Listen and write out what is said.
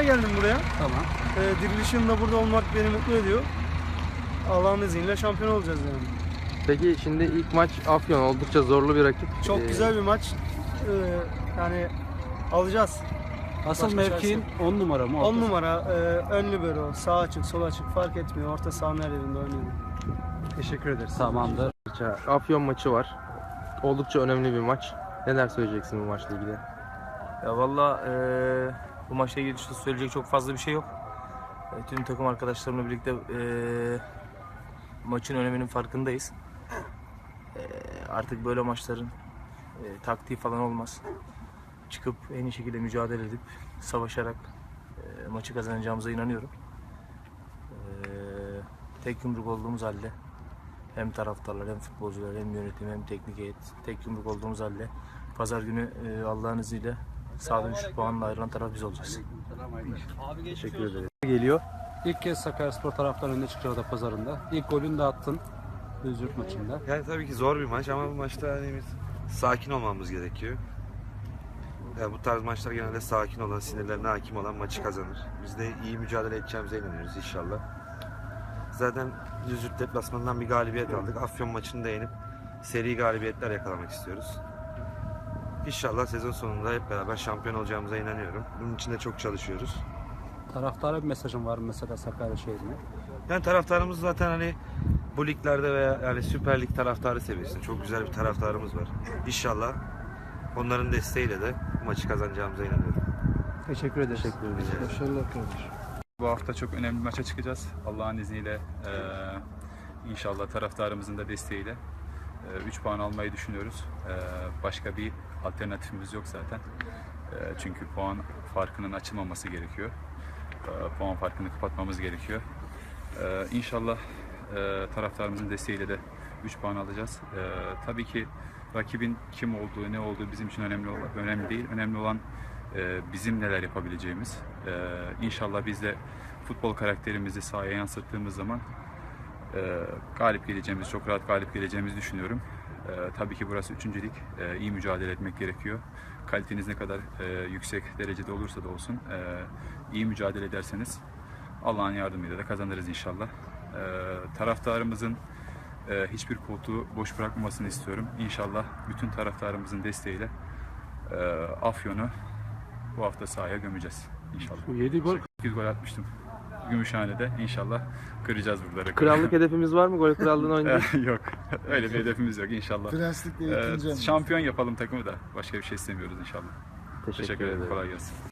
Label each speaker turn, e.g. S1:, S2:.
S1: çalışmaya geldim buraya.
S2: Tamam.
S1: Dirilişim de burada olmak beni mutlu ediyor. Allah'ın izniyle şampiyon olacağız yani.
S3: Peki şimdi ilk maç Afyon, oldukça zorlu bir rakip.
S1: Çok güzel bir maç. Yani alacağız.
S2: Asıl
S1: Başka
S2: mevkiin 10 numara mı?
S1: 10 numara ön libero, sağ açık, sol açık fark etmiyor. Orta sahanın her yerinde oynuyor. Teşekkür ederiz.
S2: Tamamdır.
S3: Afyon maçı var. Oldukça önemli bir maç. Neler söyleyeceksin bu maçla ilgili?
S4: Ya valla bu maçla ilgili işte söyleyecek çok fazla bir şey yok. Tüm takım arkadaşlarımla birlikte maçın öneminin farkındayız. Artık böyle maçların taktiği falan olmaz. Çıkıp en iyi şekilde mücadele edip savaşarak maçı kazanacağımıza inanıyorum. Tek yumruk olduğumuz halde hem taraftarlar hem futbolcular hem yönetim hem teknik heyet tek yumruk olduğumuz halde pazar günü Allah'ın izniyle sağdan 3 puanla ayrılan taraf biz olacağız.
S3: Teşekkür ederim.
S2: Geliyor. İlk kez Sakaryaspor taraftarı önüne çıkıyor da pazarında. İlk golünü de attın. Düzürt maçında.
S5: Yani tabii ki zor bir maç ama bu maçta hani biz sakin olmamız gerekiyor. Yani bu tarz maçlar genelde sakin olan, sinirlerine hakim olan maçı kazanır. Biz de iyi mücadele edeceğimize inanıyoruz inşallah. Zaten Düzürt deplasmanından bir galibiyet aldık. Afyon maçını da yenip seri galibiyetler yakalamak istiyoruz. İnşallah sezon sonunda hep beraber şampiyon olacağımıza inanıyorum. Bunun için de çok çalışıyoruz.
S2: Taraftara bir mesajın var mı mesela Sakarya şehrine?
S5: Yani taraftarımız zaten hani bu liglerde veya yani Süper Lig taraftarı seviyesinde çok güzel bir taraftarımız var. İnşallah onların desteğiyle de bu maçı kazanacağımıza inanıyorum.
S1: Teşekkür ederiz.
S3: Teşekkür ederim.
S1: Başarılar kardeşim.
S6: Bu hafta çok önemli bir maça çıkacağız. Allah'ın izniyle inşallah taraftarımızın da desteğiyle 3 puan almayı düşünüyoruz. Başka bir alternatifimiz yok zaten. Çünkü puan farkının açılmaması gerekiyor. Puan farkını kapatmamız gerekiyor. İnşallah taraftarımızın desteğiyle de 3 puan alacağız. Tabii ki rakibin kim olduğu, ne olduğu bizim için önemli değil. Önemli olan bizim neler yapabileceğimiz. İnşallah biz de futbol karakterimizi sahaya yansıttığımız zaman galip geleceğimiz, çok rahat galip geleceğimizi düşünüyorum. Tabii ki burası 3. lig. İyi mücadele etmek gerekiyor. Kaliteniz ne kadar yüksek derecede olursa da olsun iyi mücadele ederseniz Allah'ın yardımıyla da kazanırız inşallah. Taraftarımızın hiçbir koltuğu boş bırakmamasını istiyorum. İnşallah bütün taraftarımızın desteğiyle Afyon'u bu hafta sahaya gömeceğiz inşallah.
S2: 7 gol.
S6: 8 gol atmıştım. Gümüşhane'de inşallah kıracağız burada rekoru.
S3: Krallık hedefimiz var mı? Gol krallığını oynayacağız.
S6: Yok. Öyle bir hedefimiz yok inşallah.
S1: Prenslikle
S6: Şampiyon yapalım takımı da. Başka bir şey istemiyoruz inşallah.
S3: Teşekkür
S6: Teşekkür ederim.
S3: ederim.
S6: Kolay gelsin.